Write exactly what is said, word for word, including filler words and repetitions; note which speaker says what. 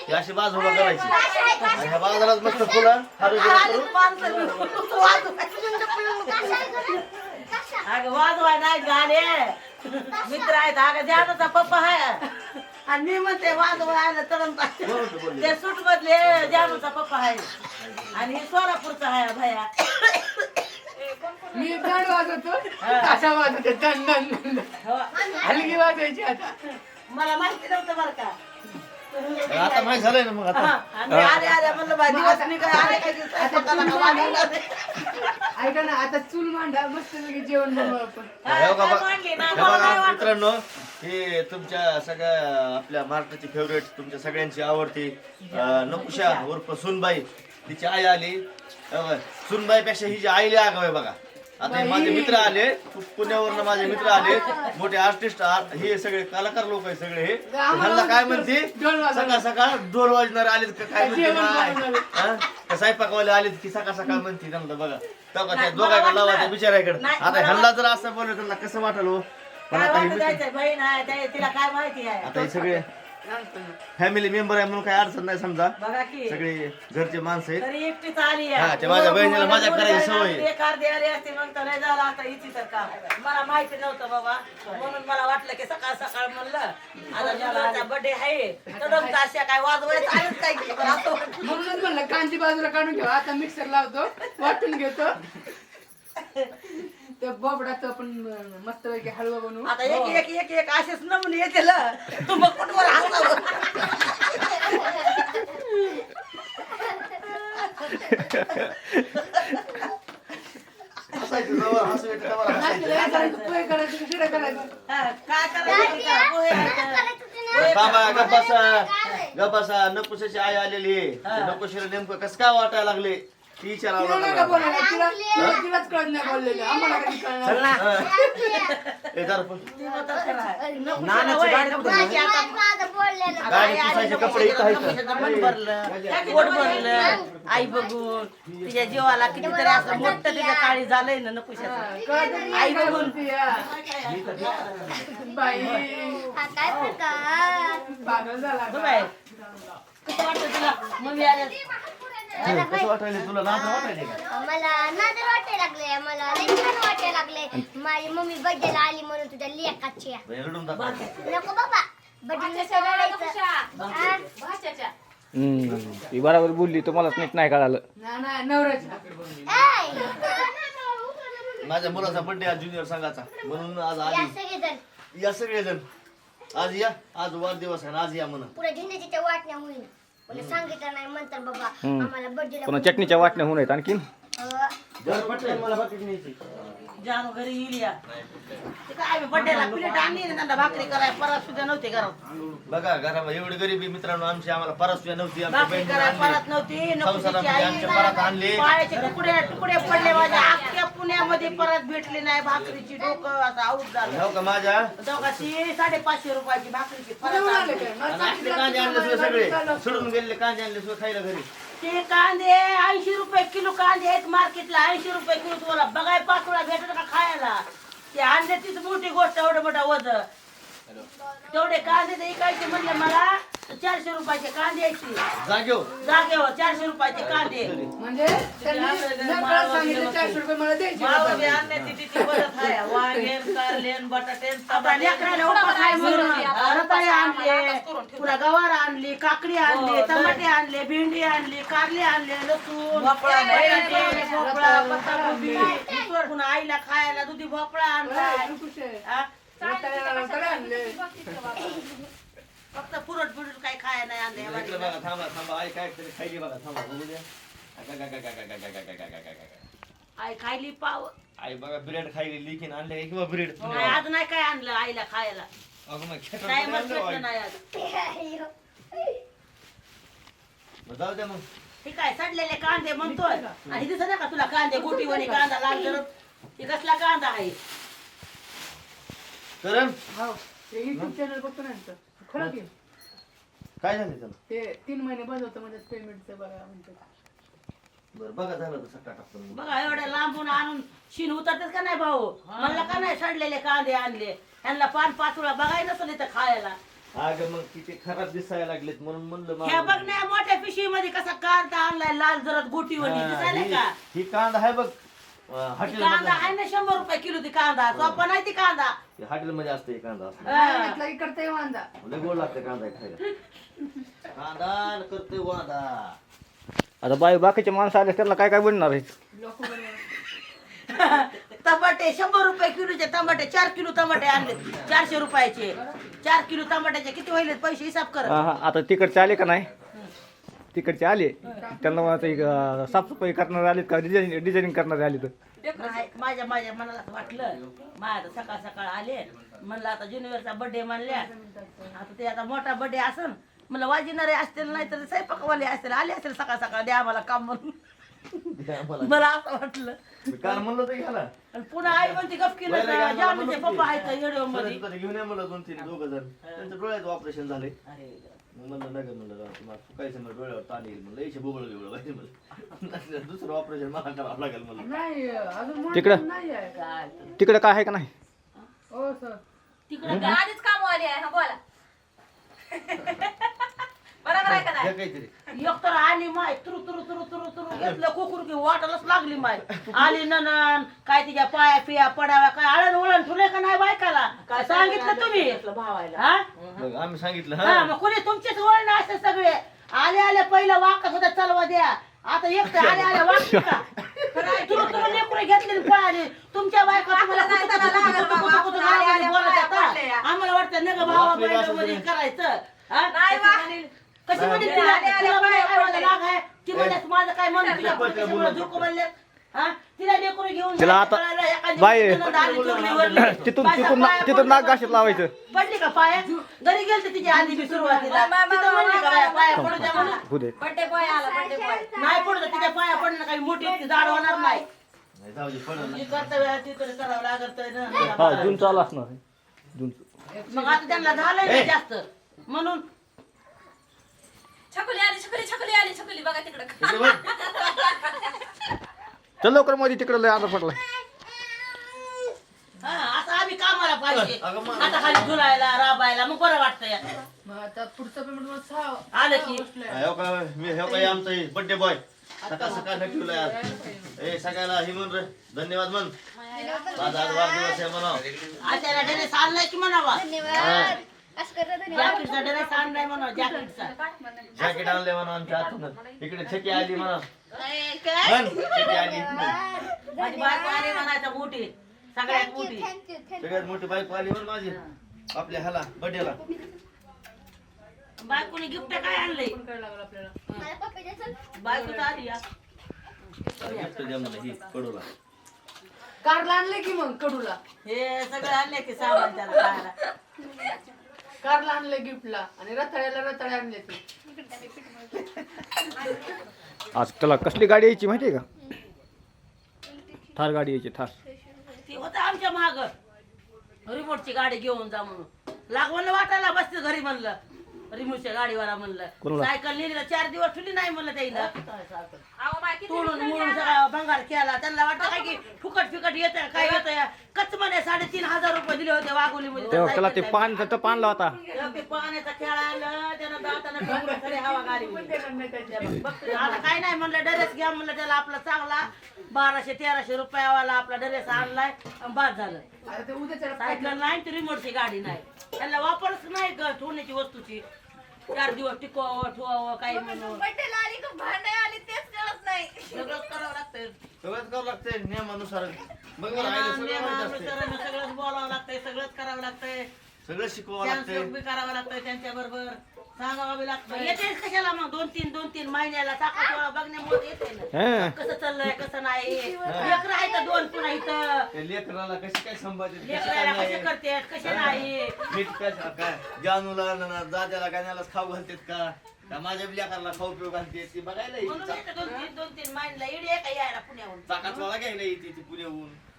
Speaker 1: ही अशी बाज उभा करायची आणि ह्या बाजारात मस्त फुलं
Speaker 2: अगं वाजवाय नाही गाणे मित्र आहेत अगं जानूचा पप्पा आहे आणि मी म्हणते वाजवायला तरण ते सूट मधले जानूचा पप्पा आहे आणि हे सोलापूरचा आहे भैया
Speaker 3: मी दंड वाजवतो असा वाजवतो दंड दंड हलकी वाजवायची आता
Speaker 2: मला माहिती नव्हतं बरं का
Speaker 1: आता माहिती झालंय ना मग आता
Speaker 2: आणि अरे अरे म्हणलं बाई दिवस मी काय आले काय दिवस
Speaker 3: ऐका ना आता चूल मांडा मस्त जेवण बनवू आपण
Speaker 1: हे बघा हे बघा मित्रांनो हे तुमच्या सगळ्या आपल्या महाराष्ट्राची फेवरेट तुमच्या सगळ्यांची आवडती नकुशा उर्फ सुनबाई तिची आई आली सुनबाई पेक्षा ही जी आईली आगाव आहे बघा आता हे माझे मित्र आले पुण्यावरनं माझे मित्र आले मोठे आर्टिस्ट हे सगळे कलाकार लोक आहे सगळे हे ह्यांना काय म्हणते सकाळ सकाळ ढोल वाजणारे आलेत का काय म्हणते स्वयंपाकवाले आलेत की सकाळ सकाळ म्हणते त्यांना बघा तेव्हा त्या दोघांकडे लावा बिचाराकडे आता ह्यांना जर असं बोललं त्यांना कसं वाटलं हो पण आता हे
Speaker 2: बहीण आहे तिला काय माहिती आहे
Speaker 1: आता हे सगळे फॅमिली मेंबर आहे म्हणून काही अडचण नाही समजा
Speaker 2: बघा की
Speaker 1: सगळे घरचे माणसं आहेत
Speaker 2: तरी एकटीच आली
Speaker 1: हा ते माझ्या बहिणीला मजा करायची सवय आहे.
Speaker 2: बेकार द्यायला असते मग तर नाही झालं आता इथे तर काम मला माहिती नव्हतं बाबा म्हणून मला वाटलं की सकाळ सकाळ म्हणलं आता मुलाचा बर्थडे आहे तर अशा काय वाजवायचं आलंच काय की बरं असं वाटलं.
Speaker 3: म्हणूनच म्हणलं कांदी बाजूला काढून घेऊ आता मिक्सर लावतो वाटून घेतो त्या बोबडाचं आपण मस्त पैकी हलवा बनवू
Speaker 2: आता एक एक एक एक असेच नमुने येते तू मग कुठवर हसावं
Speaker 1: हसायचं जवळ हसू येतं तेव्हा हसायचं.
Speaker 3: पोहे करायचं की शिरा करायचं
Speaker 2: हा, काय करायचं ते करा. पोहे आहेत.
Speaker 1: बाबा गप्पासा गप्पासा नकुशाची आई आलेली आहे नकुशीला नेमकं कसं काय वाटायला लागले ती विचारावं
Speaker 3: तिला नका
Speaker 1: लागलं
Speaker 3: बोलायला तिला तिलाच कळत नाही बोललेलं आम्हाला कधी कळणार
Speaker 1: ए दारू पण.
Speaker 2: ती म्हणतात खरं आहे. नको
Speaker 1: नानाची
Speaker 2: वय,
Speaker 1: गाडी
Speaker 2: नको
Speaker 1: कुठे
Speaker 2: जायची आता.
Speaker 1: गाडी पुसायचे कपडे इथं आहेत.
Speaker 2: मन भरलं पोट भरलं आई बघून तिच्या जीवाला कितीतरी असं मोठं तिच्या काळी झालंय ना नकुशाचं आई बघून
Speaker 3: बाई पागल झाला
Speaker 2: बघ बाई, कसं वाटतं तुला मम्मी आल्या
Speaker 1: कसं वाटायला तुला नाच वाटायले का
Speaker 4: मला नादर वाटायला लागले मला लय छान वाटायला लागले माझी मम्मी बर्थडेला आली म्हणून तुझ्या लेकाची
Speaker 1: रडून टाका.
Speaker 4: नको बाबा बर्थडे
Speaker 5: हम्म ती बरोबर बोलली तुम्हालाच नीट नाही कळालं
Speaker 3: ना ना नवऱ्याच्या
Speaker 1: माझ्या मुलाचा बर्थडे आज ज्युनियर संघाचा म्हणून आज आली
Speaker 4: सगळेजण
Speaker 1: या सगळेजण आज या आज वाढदिवस आहे आज या म्हणा
Speaker 4: पुढे झेंड्याच्या वाटण्या होईल मला सांगितलं नाही म्हणतात बाबा आम्हाला बर्थडेला
Speaker 5: पुन्हा चटणीच्या वाटण्या होऊन आहेत आणखीन
Speaker 1: मला बाकी न्यायची
Speaker 2: जानू घरी येईल या ते काय बड्डेला प्लेट आणली ना त्यांना भाकरी कराय परत सुद्धा नव्हते घरात
Speaker 1: बघा घरामध्ये एवढी गरिबी मित्रांनो आमची आम्हाला परस्या नव्हती आमच्या
Speaker 2: भाकरी कराय
Speaker 1: बहिणीला
Speaker 2: परत नव्हती नकोशीची
Speaker 1: संसारामध्ये
Speaker 2: आई
Speaker 1: आमच्या परत आणली
Speaker 2: पायाचे तुकडे तुकडे पडले माझ्या अख्ख्या पुण्यामध्ये परत भेटली नाही भाकरीची डोकं असं आऊट झालं
Speaker 1: हो का माझ्या
Speaker 2: दोघाची साडेपाचशे रुपयाची भाकरीची परत
Speaker 3: आले
Speaker 2: आणली.
Speaker 3: काय? मला
Speaker 1: आणि आपले कांदे आणले सुद्धा सगळे सोडून गेलेले कांदे आणले सुद्धा खायला घरी
Speaker 2: ते कांदे ऐंशी रुपये किलो कांदे आहेत मार्केटला ऐंशी रुपये किलो तुम्हाला बघाय पाचोळा भेटत का खायला ते आणले तीच मोठी गोष्ट एवढं मोठा वज तेवढे कांदे ते इकायचे म्हणले मला चारशे रुपयाचे कांदे यायचे
Speaker 1: जागेव
Speaker 2: जागेवर चारशे रुपयाचे कांदे
Speaker 3: म्हणजे त्यांनी नकळत सांगितलं चारशे रुपये मला द्यायचे
Speaker 2: मावळे आणण्याची तिची मदत आहे वांगेन कारलेन बटाटेन आता लेकराला उपास आहे म्हणून रताळे आणले पुन्हा गवार आणली काकडी आणली टमाटे आणले भेंडी आणली कारले आणले लसूण बटाटे भोपळा पत्ताकोबी पुन्हा आईला खायला दुधी भोपळा आणलाय हा? फक्त पुरट पुरट काही खायला नाही आणले या
Speaker 1: इकडे
Speaker 2: बाजूला.
Speaker 1: बघा थांबा थांबा आई काय तरी खायली बघा थांबा बघू द्या गा, गा, गा, गा, गा, गा, गा, गा, गा, गा, गा, गा.
Speaker 2: आई खायली पाव
Speaker 1: आई बघा ब्रेड खायली लिखीन आणले किंवा ब्रेड
Speaker 2: नाही, आज नाही काय आणलं आईला खायला
Speaker 1: अगं मग खेटर
Speaker 2: नाही
Speaker 1: पण
Speaker 2: मग
Speaker 1: आणलं
Speaker 2: भेटलं
Speaker 1: आई.
Speaker 2: नाही आज
Speaker 1: मग जाऊ द्या मग
Speaker 2: ठीक आहे सडलेले कांदे म्हणतोय आणि दिसत नाही का तुला कांदे गोटीवाणी कांदा लाल करत हे कसला कांदा आहे
Speaker 1: करण
Speaker 3: हो ते युट्यूब चॅनल बघतो ना यांचं. खरं की
Speaker 1: काय झालं त्याला
Speaker 3: ते तीन महिने बंद होतं म्हणजे पेमेंटचं बघा म्हणतात
Speaker 1: बरं बघा झालं तर सट्टा टाकतो मी.
Speaker 2: बघा एवढ्या लांबून आणून शिन उतरतेच का नाही भाऊ म्हणलं का नाही सडलेले कांदे आणले ह्यांना पान पाचोळा बघाय नसलं इथं खायला
Speaker 1: अगं मग किती खराब दिसायला लागलेत म्हणून म्हणलं
Speaker 2: ह्या
Speaker 1: मला-
Speaker 2: बघ ना मोठ्या पिशवी मध्ये कसा कांदा आणलाय लाल जरद गोटीवर
Speaker 1: हा,
Speaker 2: दिसायला
Speaker 1: ही-
Speaker 2: का
Speaker 1: ही कांदा आहे बघ हॉटेल
Speaker 2: कांदा आहे ना शंभर रुपये किलो ती कांदा सोपा नाही ती कांदा
Speaker 1: हॉटेल मध्ये असते कांदा असतो
Speaker 2: हा.
Speaker 3: करते वांदा
Speaker 1: लय गोड लागतं कांदा खायला कांदा न करतोय वांदा
Speaker 5: आता बाई बाकीचे माणसं आले त्यांना काय काय बनणार आहे
Speaker 3: लोक
Speaker 2: टमाटे शंभर रुपये किलोचे टमाटे चार किलो टमाटे आणले चारशे रुपयाचे चार किलो टमाट्याचे किती व्हायले पैसे हिसाब कर
Speaker 5: हा, हा. आता तिकडचे आले का नाही तिकडचे आले त्यांना मला ते, अं, साफसफाई करणारे आलेत का डिझाईन डिझायनिंग करणारे आले तर
Speaker 2: नाही, माझ्या माझ्या मनाला असं वाटलं माझ्या सकाळ सकाळ आले म्हणलं आता ज्युनियरचा बर्थडे मानल्या आता ते आता मोठा बर्थडे असन म्हणलं वाजिणारे असतील नाही तर स्वयंपाकवाले असतील आले असतील सकाळ सकाळ द्या आम्हाला काम म्हणून मला असं वाटलं
Speaker 1: मी काल म्हणलं होतं घ्यायला
Speaker 2: आणि पुन्हा आई म्हणते गप केलं
Speaker 1: पहिलं गाणं
Speaker 2: जामीचे
Speaker 1: म्हणत
Speaker 2: पप्पा
Speaker 1: होती.
Speaker 2: आहेत येडो मध्ये
Speaker 1: परत घेऊन या मला दोन तीन दोघ जण त्यांचं डोळ्याचं ऑपरेशन झाले
Speaker 2: अरे
Speaker 1: मग म्हणलं नगर म्हणलं राव, तुम्हाला फुकायचं म्हणलं डोळ्यावर ताण येईल म्हणलं याचे बोबळ बिबळ पाहिजे म्हणलं दुसरं ऑपरेशन मला करावं लागेल म्हणलं
Speaker 3: नाही अजून मोठं
Speaker 5: तिकडं?
Speaker 3: नाही आहे
Speaker 2: काय
Speaker 5: तिकडे काय आहे का नाही
Speaker 3: हो सर
Speaker 2: तिकडे
Speaker 6: आधीच काम आली आहे हा बोला बरोबर आहे का नाही
Speaker 1: घ्या काहीतरी
Speaker 2: एक तर आली माय तुरु तुरु तुरु तुरु तुरु घेतलं कुकुर की वाटायलाच लागली माय आली ननन काय तिच्या पाया पिया पडाव्या काय आळण वळण ठुले का नाही बायकाला काय सांगितलं तुम्ही
Speaker 6: भावायला
Speaker 2: हा
Speaker 1: मग आम्ही सांगितलं
Speaker 2: हा
Speaker 1: हा
Speaker 2: मग कोणी तुमचेच वळण असते सगळे आले आले पहिलं वाकत होता चालवा द्या आता एक तर आले आले वाकते का तुरु तुरु लेकरं घेतली आणि पळाली तुमच्या बायका तुम्हाला
Speaker 6: नाही
Speaker 2: कुठं-
Speaker 6: त्याला
Speaker 2: कुठं-
Speaker 6: लागल
Speaker 2: कुठं-
Speaker 6: बाबा,
Speaker 2: कुठं- कुठं
Speaker 6: आले आले
Speaker 2: गावामध्ये बोलत
Speaker 6: पाया
Speaker 2: आता.
Speaker 6: पडले.
Speaker 2: आम्हाला वाटतं नग भावा
Speaker 1: वाकले
Speaker 2: बहिणी
Speaker 1: असं
Speaker 2: मध्ये
Speaker 1: तरी.
Speaker 2: करायचं हा?
Speaker 6: नाही वा.
Speaker 2: कशी म्हणजे
Speaker 6: नाही.
Speaker 2: तिला
Speaker 6: आले आले
Speaker 2: तिला
Speaker 6: पाया
Speaker 2: काय वाला
Speaker 6: पडले.
Speaker 2: लाग आहे ती म्हणजे माझं काय म्हणून तुझ्या
Speaker 1: पटकन
Speaker 2: पुढच्या
Speaker 1: बोलत
Speaker 2: झुरकू म्हणले हा तिला लेकरू घेऊन
Speaker 5: तिला
Speaker 2: जायचं
Speaker 5: आता-
Speaker 2: कळायला, एखादी
Speaker 5: बाई.
Speaker 2: मुलगी आली चोरलीवरली.
Speaker 5: तिथून
Speaker 2: बायका
Speaker 5: तिथून ना-
Speaker 2: पाया
Speaker 5: तिथून
Speaker 2: पडल्या
Speaker 5: नाक घाशीत
Speaker 2: बरोबर.
Speaker 5: लावायचं
Speaker 2: पडली का पाया घरी गेलते तिची आली मी सुरुवातीला
Speaker 6: मा- मा-
Speaker 2: तिथं म्हणली का बाया, पाया
Speaker 6: मा-
Speaker 2: पडू द्या म्हणून
Speaker 5: होऊ दे
Speaker 6: बड्डे बॉय आला बड्डे बॉय
Speaker 2: नाही पडू द्या, तिच्या पाया पडणं काही मोठी इतकी जाड होणार नाही
Speaker 1: नाही, जाऊ दे, पडलं
Speaker 2: जी
Speaker 1: ना.
Speaker 2: कर्तव्य आहे ती तरी करावं लागत
Speaker 5: हा
Speaker 2: ना
Speaker 5: जून चालू असणार आहे. जून
Speaker 2: मग आता त्यांना झालंय ना जास्त म्हणून
Speaker 6: छकुली आली छकुली छकुली आली छकुली बघा तिकडं
Speaker 1: इकडे बघ.
Speaker 5: चल लवकर मध्ये तिकडे लय आजार पडलाय
Speaker 2: हा, आता आम्ही कामाला पाहिजे
Speaker 1: अगं मग-
Speaker 2: आता खाली झुलायला राबायला मग बरं वाटतंय
Speaker 3: मग आता पुढचं पेमेंट मला सहा
Speaker 2: आलं की
Speaker 1: हा, हो का मी हो काय आमचं बर्थडे बॉय सकाळ सकाळ नटवलंय आज ए सगळ्याला ही म्हण रे धन्यवाद म्हण माझा आज वाढदिवस आहे म्हणा
Speaker 2: आचार्य ड्रेस आणलाय की म्हणावा
Speaker 4: धन्यवाद असं करता धन्यवाद
Speaker 2: जॅकेटचा ड्रेस आणलाय म्हणा जॅकेटचा
Speaker 1: जॅकेट आणले म्हणा आमच्या हातून इकडे छकी आली म्हणा
Speaker 2: काय
Speaker 1: म्हण, छकी आली
Speaker 2: माझी बायको आली म्हणायचं मोठी सगळ्यात
Speaker 4: थँक्यू
Speaker 2: मोठी
Speaker 4: थँक्यू थँक्यू
Speaker 1: सगळ्यात मोठी बाईक आली म्हण माझी आपल्या ह्याला बर्थडेला
Speaker 2: बायकोने गिफ्ट काय आणलंय
Speaker 3: काय लागलं आपल्याला
Speaker 4: मला पप्पी द्यायचं
Speaker 2: बायको आली या
Speaker 1: गिफ्ट द्या मला ही कडूला
Speaker 3: कारला आणले की मग कडूला
Speaker 2: हे सगळं आणले की सामान त्याला खायला
Speaker 3: कारला आणले गिफ्टला आणि रताळ्याला रताळे आणले ते
Speaker 5: आज त्याला कसली गाडी यायची माहितीये का थार गाडी यायची थार
Speaker 2: ती होतं आमच्या माग रिमोटची गाडी घेऊन जा म्हणून लागवण वाटायला बसते घरी म्हणलं रिमोटच्या गाडीवाला म्हणलं
Speaker 5: कोणाला?
Speaker 2: सायकल नेलीला चार दिवस ठुली नाही म्हणलं त्याला
Speaker 6: अहो बाय किती
Speaker 2: तोडून मोडून सगळा भंगार केला त्यांना वाटतं काय की फुकट फिकट येत काय येत कच म्हणे साडेतीन हजार रुपये दिले होते वाघोलीमध्ये
Speaker 5: तेव्हा त्याला ते पान तर पानला होता
Speaker 2: तेव्हा ते पाण्याचा खेळ आलं त्यानं दातानं ठोकून खरी हवा गाडी आता काय नाही म्हणलं ड्रेस घ्या म्हणलं त्याला आपला चांगला बाराशे तेराशे रुपयावाला आपला ड्रेस आणलाय आणि बाद झालं
Speaker 3: आता ते उद्याच्या
Speaker 2: सायकल नाही ती रिमोटची गाडी नाही त्याला वापरच नाही ग ठेवण्याची वस्तूची चार दिवस टिकवावं ठेवावं काही म्हणून
Speaker 6: बड्डेला आली का भांडे आली तेच कळत नाही
Speaker 2: सगळंच करावं लागतंय
Speaker 1: सगळंच करावं लागतंय नियमानुसार बघ मला आईला सगळं माहिती असतंय.
Speaker 2: नियमानुसार सगळंच बोलावं लागतंय सगळंच करावं लागतंय
Speaker 1: सगळं शिकवावं
Speaker 2: त्यांचं
Speaker 1: लागतंय
Speaker 2: बी करावं लागतंय त्यांच्या बरोबर सांगावं बी लागतं येते कशाला मग दोन तीन दोन तीन महिन्याला टाका बघण्यामुळे येते ना
Speaker 5: हा
Speaker 2: कसं चाललंय कसं नाही लेकरं आहे तर दोन पुन्हा इथं
Speaker 1: त्या लेकराला कशी काय संभाळते
Speaker 2: लेकराला कसे करतात कसे नाही
Speaker 1: मीठ काय काय जानूला ना दाद्याला गाण्यालाच खाऊ घालतेत का का माझ्या लेकराला खाऊ पिऊ घालते ती बघायला
Speaker 2: म्हणून
Speaker 1: येते
Speaker 2: येतं दोन तीन दोन तीन महिन्याला येडी आहे का यायला पुण्याहून
Speaker 1: चाकाच वाला घ्यायला येते ती पुण्याहून